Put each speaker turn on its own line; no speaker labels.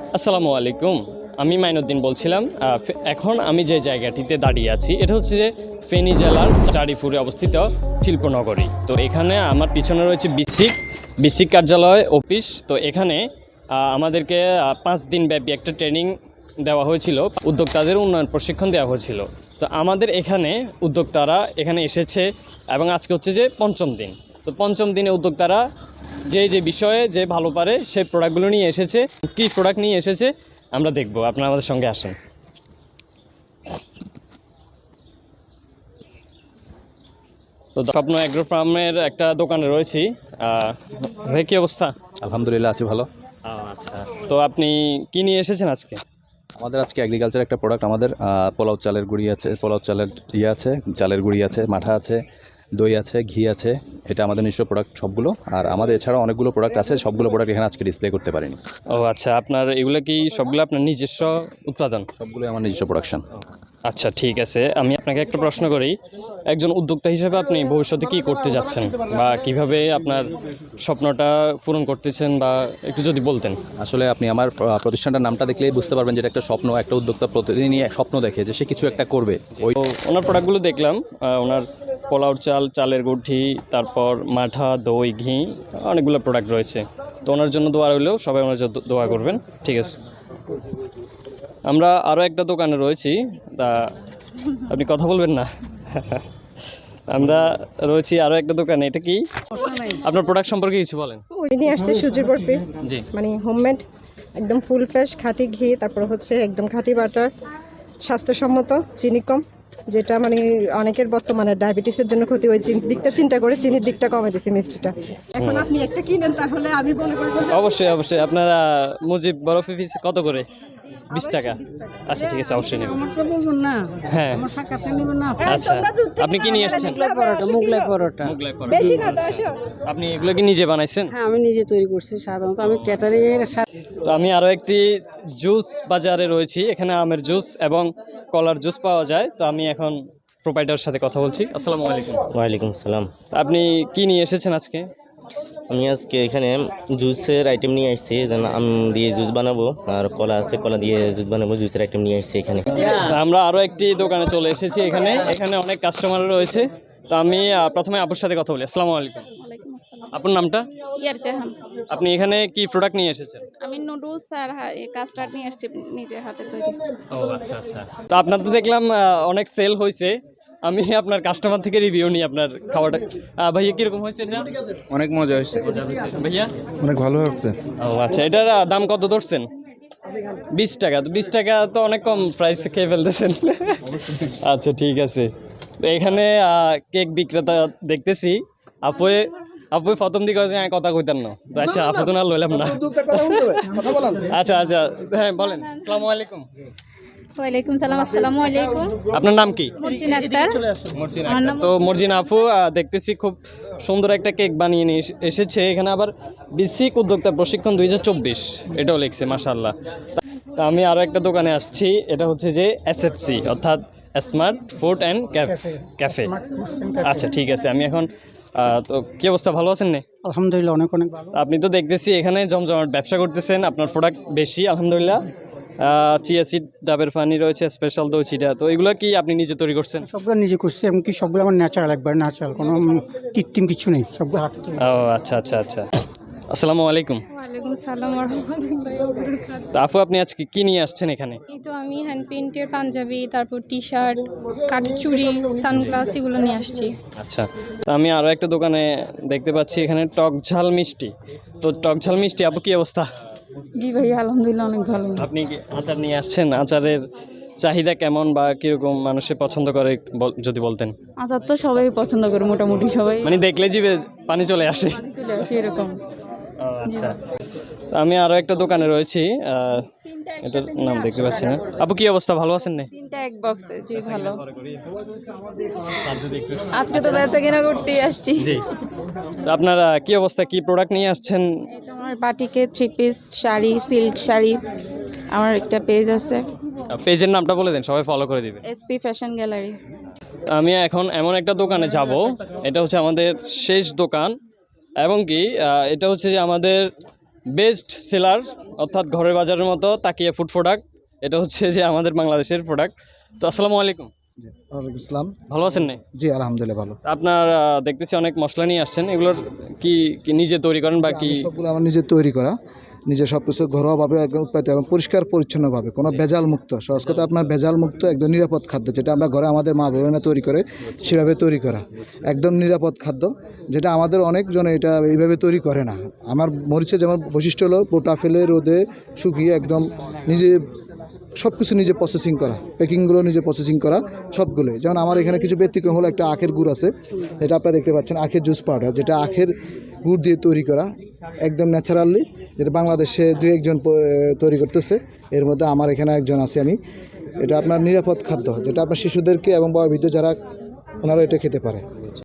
আসসালামু আলাইকুম। আমি মাইনুদ্দিন বলছিলাম। এখন আমি যে জায়গাটিতে দাঁড়িয়ে আছি এটা হচ্ছে যে ফেনী জেলার চারিপুরে অবস্থিত শিল্পনগরী। তো এখানে আমার পিছনে রয়েছে বিসিক কার্যালয় অফিস। তো এখানে আমাদেরকে 5 দিন ব্যাপী একটা ট্রেনিং দেওয়া হয়েছিল, উদ্যোক্তাদের উন্নয়ন প্রশিক্ষণ দেওয়া হয়েছিল। তো আমাদের এখানে উদ্যোক্তারা এখানে এসেছে এবং আজকে হচ্ছে যে পঞ্চম দিন। তো পঞ্চম দিনে উদ্যোক্তারা যে বিষয়ে যে ভালো পারে সেই প্রোডাক্টগুলো নিয়ে এসেছে। কী প্রোডাক্ট নিয়ে এসেছে আমরা দেখব, আপনারা আমাদের সঙ্গে আসেন। তো স্বপ্ন অ্যাগ্রো ফার্মের একটা দোকানে রয়েছি। ভাই কী অবস্থা?
আলহামদুলিল্লাহ আছি ভালো।
আচ্ছা, তো আপনি কি নিয়ে এসেছেন আজকে?
আমাদের আজকে এগ্রিকালচার একটা প্রোডাক্ট, আমাদের পোলাও চালের গুঁড়ি আছে, পোলাও চালের আছে, চালের গুঁড়ি আছে, মাঠা আছে, দই আছে, ঘি আছে। এটা আমাদের নিজস্ব প্রোডাক্ট সবগুলো। আর আমাদের এছাড়াও অনেকগুলো প্রোডাক্ট আছে, সবগুলো প্রোডাক্ট এখানে আজকে ডিসপ্লে করতে পারিনি।
ও আচ্ছা, আপনার এগুলো কি সবগুলো আপনার নিজস্ব উৎপাদন?
সবগুলোই আমার নিজস্ব প্রোডাকশন।
আচ্ছা, ঠিক আছে। আমি আপনাকে একটা প্রশ্ন করি, একজন উদ্যোক্তা হিসেবে আপনি ভবিষ্যতে কী করতে যাচ্ছেন বা কিভাবে আপনার স্বপ্নটা পূরণ করতেছেন, বা একটু যদি বলতেন।
আসলে আপনি আমার প্রতিষ্ঠানটার নামটা দেখলেই বুঝতে পারবেন যে এটা একটা স্বপ্ন। একটা উদ্যোক্তা প্রতিদিনই এক স্বপ্ন দেখে যে সে কিছু একটা করবে। ওই
ওনার প্রোডাক্টগুলো দেখলাম, ওনার পোলাও চাল, চালের গুঠি, তারপর মাঠা, দই, ঘি, অনেকগুলো প্রোডাক্ট রয়েছে। তো ওনার জন্য দোয়া রইলেও, সবাই ওনার জন্য দোয়া করবেন। ঠিক আছে। আমরা আরও একটা দোকানে রয়েছি, তা আপনি কথা বলবেন না? আমরা রয়েছি আরও একটা দোকানে। এটা কি আপনার প্রোডাক্ট সম্পর্কে কিছু বলেন।
ওই নিয়ে আসছে সুজির বরফি,
জি,
মানে হোমমেড, একদম ফুল ফ্রেশ খাঁটি ঘি, তারপর হচ্ছে একদম খাঁটি বাটার, স্বাস্থ্যসম্মত, চিনি কম, যেটা মানে অনেকের বর্তমানে ডায়াবেটিসের জন্য ক্ষতি। ওই দিকটা চিন্তা করে চিনির দিকটা কমে দিছি মিষ্টিটা। এখন আপনি একটা কিনেন তাহলে আমি মনে করি
অবশ্যই অবশ্যই। আপনারা মুজিব বরফি পিস কত করে? 20 টাকা। আচ্ছা, ঠিক আছে, অবশ্যই নেব। হ্যাঁ, আচ্ছা। আপনি কি নিয়ে এসেছেন?
মোগলাই পরোটা।
মোগলাই পরোটা।
বেশি না
আচ্ছা।
10।
আপনি এগুলো কি নিজে বানাইছেন?
হ্যাঁ, আমি নিজে তৈরি করছি। সাধারণত আমি ক্যাটারিং এর
তো আমি আরও একটি জুস বাজারে রয়েছি। এখানে আমের জুস এবং কলার জুস পাওয়া যায়। তো আমি এখন প্রোপাইটারের সাথে কথা বলছি। আসসালামু আলাইকুম।
ওয়ালাইকুম সালাম।
আপনি কি নিয়ে এসেছেন আজকে?
আমি আজকে এখানে জুসের আইটেম নিয়ে আসছি, যেন আম দিয়ে জুস বানাবো, আর কলা আছে, কলা দিয়ে জুস বানাবো, জুসের আইটেম নিয়ে আসছি এখানে।
আমরা আরও একটি দোকানে চলে এসেছি। এখানে অনেক কাস্টমার রয়েছে। তো আমি প্রথমে আপুর সাথে কথা বলি। আসসালামু আলাইকুম। আপনার নামটা?
ইয়ার জাহান।
আপনি এখানে কি প্রোডাক্ট নিয়ে এসেছেন?
আমি নুডলস আর কাস্টার্ড নিয়ে আসছি, নিজের হাতে তৈরি।
ও আচ্ছা আচ্ছা। তো আপনার তো দেখলাম অনেক সেল হয়েছে। আমি আপনার কাস্টমার থেকে রিভিউ নিই আপনার খাবারটা। ভাইয়া কিরকম হয়েছে এটা?
অনেক মজা হয়েছে,
ভাইয়া
অনেক ভালো হচ্ছে।
ও আচ্ছা, এটার দাম কত ধরছেন? 20 টাকা। তো 20 টাকা তো অনেক কম প্রাইস খেয়ে ফেলতেছেন। আচ্ছা, ঠিক আছে। তো এখানে কেক বিক্রেতা দেখতেছি। আপুই প্রথম দিকে কথা কইতেন না। তো আচ্ছা, আপু তো না লইলাম না। আচ্ছা আচ্ছা, হ্যাঁ বলেন। আসসালামু আলাইকুম।
ওয়ালাইকুম সালাম। আসসালামু আলাইকুম।
আপনার নাম কি?
মর্জিনা আক্তার।
মর্জিনা আক্তার। তো মর্জিনা আপু দেখতেছি খুব সুন্দর একটা কেক বানিয়ে নিয়ে এসেছে। এখানে আবার বিসিক উদ্যোক্তা প্রশিক্ষণ 2024 এটাও লিখছে, মাশাআল্লাহ। তা আমি আরও একটা দোকানে আসছি। এটা হচ্ছে যে এসএফসি, অর্থাৎ স্মার্ট ফুড অ্যান্ড ক্যাফে। আচ্ছা, ঠিক আছে। আমি এখন তো কি অবস্থা, ভালো আছেন না?
আলহামদুলিল্লাহ অনেক অনেক ভালো।
আপনি তো দেখতেছি এখানে জমজমাট ব্যবসা করতেছেন, আপনার প্রোডাক্ট বেশি আলহামদুলিল্লাহ। চিয়া সিড, ডাবের পানি রয়েছে, স্পেশাল দই চিটা। তো এগুলো কি আপনি নিজে তৈরি করছেন?
সবগুলো নিজে করছি, এমনকি সবগুলো আমার ন্যাচারাল, একবার ন্যাচারাল, কোনো কৃত্রিম কিছু নেই, সবগুলো হাতে তৈরি।
ও আচ্ছা আচ্ছা আচ্ছা। আসসালামু আলাইকুম।
ওয়ালাইকুম সালাম ওয়া রাহমাতুল্লাহি ওয়া বারাকাতুহু।
তো আপু আপনি আজকে কি নিয়ে আসছেন এখানে?
এই তো আমি হ্যান্ড প্রিন্টের পাঞ্জাবি, তারপর টি-শার্ট, কাঠের চুড়ি, সানগ্লাস এগুলো নিয়ে আসছি।
আচ্ছা, তো আমি আরও একটা দোকানে দেখতে পাচ্ছি এখানে টক ঝাল মিষ্টি। তো টক ঝাল মিষ্টি আপু কি অবস্থা?
জি ভাই, আলহামদুলিল্লাহ অনেক ভালো।
আপনি কি আচার নিয়ে আসছেন? আচারের চাহিদা কেমন বা কিরকম মানুষে পছন্দ করে যদি বলতেন।
আচার তো সবাই পছন্দ করে, মোটামুটি সবাই
মানে দেখলে জিভে পানি চলে আসে।
চলে আসে এরকম।
ও আচ্ছা। তো আমি আরও একটা দোকানে রয়েছি, এটার নাম দেখতে পাচ্ছি না। আপু কি অবস্থা, ভালো আছেন না?
তিনটা এক বক্সে। জি ভালো। আজকে তো বেচা কেনা করতেই আসছি।
জি। তো আপনারা কি অবস্থা, কি প্রোডাক্ট নিয়ে আসছেন?
এটা আমার বাটিকে 3 পিস শাড়ি, সিল্ক শাড়ি। আমার একটা পেজ আছে,
পেজের নামটা বলে দেন, সবাই ফলো করে দিবে।
SP fashion gallery.
আমি এখন এমন একটা দোকানে যাব, এটা হচ্ছে আমাদের শেষ দোকান, এবং কি এটা হচ্ছে যে আমাদের বেস্ট সেলার, অর্থাৎ ঘরের বাজারের মতো তাকিয়া ফুড প্রোডাক্ট। এটা হচ্ছে যে আমাদের বাংলাদেশের প্রোডাক্ট। তো আসসালামু আলাইকুম,
ওয়ালাইকুম আসসালাম।
ভালো আছেন না?
জি আলহামদুলিল্লাহ ভালো।
আপনার দেখতেছি অনেক মশলা নিয়ে আসছেন, এগুলোর কি কি নিজে তৈরি করেন বা কি?
সবগুলো আমার নিজে তৈরি করা, নিজে সব কিছু ঘরোয়াভাবে একদম উৎপাদিত এবং পরিষ্কার পরিচ্ছন্নভাবে, কোনো ভেজাল মুক্ত, সহজ কথা আপনার ভেজাল মুক্ত একদম নিরাপদ খাদ্য, যেটা আমরা ঘরে আমাদের মা বোনেরা তৈরি করে সেভাবে তৈরি করা একদম নিরাপদ খাদ্য, যেটা আমাদের অনেকজনে এটা এইভাবে তৈরি করে না। আমার মরিচের যেমন বৈশিষ্ট্য হলো পোটা ফেলে রোদে শুকিয়ে একদম নিজে সব কিছু নিজে প্রসেসিং করা, প্যাকিংগুলো নিজে প্রসেসিং করা সবগুলোই। যেমন আমার এখানে কিছু ব্যতিক্রম হলো, একটা আখের গুড় আছে, যেটা আপনারা দেখতে পাচ্ছেন, আখের জুস পাউডার, যেটা আখের গুড় দিয়ে তৈরি করা একদম ন্যাচারালি, যেটা বাংলাদেশে 2-1 জন তৈরি করতেছে, এর মধ্যে আমার এখানে একজন আছে আমি। এটা আপনার নিরাপদ খাদ্য, যেটা আপনার শিশুদেরকে এবং বয়োবৃদ্ধ যারা ওনারা এটা খেতে পারে।